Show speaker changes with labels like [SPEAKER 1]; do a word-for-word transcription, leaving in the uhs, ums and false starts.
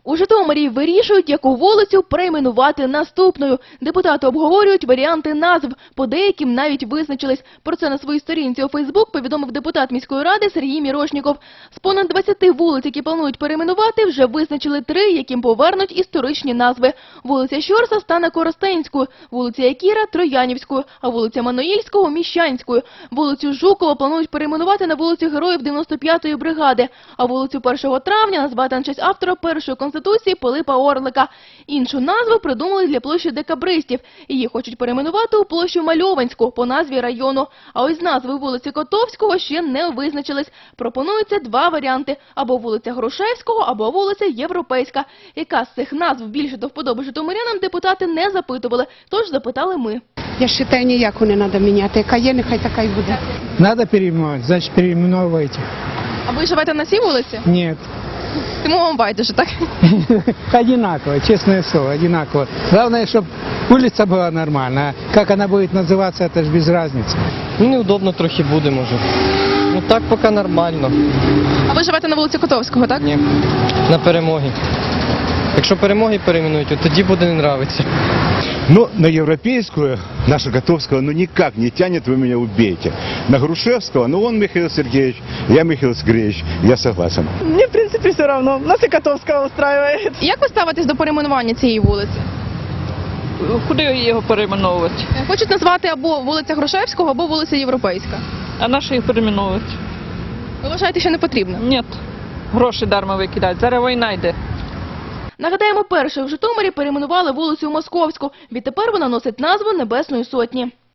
[SPEAKER 1] У Житомирі вирішують, яку вулицю перейменувати наступною. Депутати обговорюють варіанти назв, по деяким навіть визначились. Про це на своїй сторінці у Фейсбук повідомив депутат міської ради Сергій Мірошніков. З понад двадцяти вулиць, які планують перейменувати, вже визначили три, яким повернуть історичні назви. Вулиця Щорса стане Коростенською, вулиця Якіра – Троянівською, а вулиця Маноїльського – Міщанською. Вулицю Жукова планують перейменувати на вулицю Героїв дев'яносто п'ятої бригади, а вулицю першого травня назвати на честь автора першої Конституції Пилипа Орлика. Іншу назву придумали для площі Декабристів. Її хочуть перейменувати у площу Мальованську по назві району. А ось з назви вулиці Котовського ще не визначились. Пропонуються два варіанти – або вулиця Грушевського, або вулиця Європейська. Яка з цих назв більше до вподоби житомирянам, депутати не запитували, тож запитали ми.
[SPEAKER 2] Я вважаю, ніяку не треба міняти. Яка є, нехай така й буде.
[SPEAKER 3] Надо переименовать, значит переименовывайте.
[SPEAKER 1] А ви живете на цій вулиці?
[SPEAKER 3] Нет.
[SPEAKER 1] Тому вам байдуже, так?
[SPEAKER 3] Одинаково, честное слово, одинаково. Главное, чтобы улица была нормальная. Как она будет называться, это же без разницы.
[SPEAKER 4] Ну, неудобно трохи буде, може. Ну так поки нормально.
[SPEAKER 1] А ви живете на вулиці Котовського, так?
[SPEAKER 4] Ні. На Перемоги. Якщо Перемоги перейменують, то тоді буде не нравиться.
[SPEAKER 5] Ну, на европейскую, наша Котовского, ну никак не тянет, вы меня убейте. На Грушевского, ну он Михаил Сергеевич, я Михаил Сергеевич, я согласен.
[SPEAKER 6] Мне, в принципе, все равно. Нас и Котовского устраивает.
[SPEAKER 1] Як ви ставитесь до перейменування цієї вулиці?
[SPEAKER 6] Куди його перейменовувати?
[SPEAKER 1] Хочуть назвати або вулиця Грушевського, або вулиця Європейська.
[SPEAKER 6] А на що їх перейменовувати?
[SPEAKER 1] Ви вважаєте, що не потрібно?
[SPEAKER 6] Ні. Гроші дарма викидають. Зараз війна йде.
[SPEAKER 1] Нагадаємо, першою в Житомирі перейменували вулицю Московську. Відтепер вона носить назву Небесної Сотні.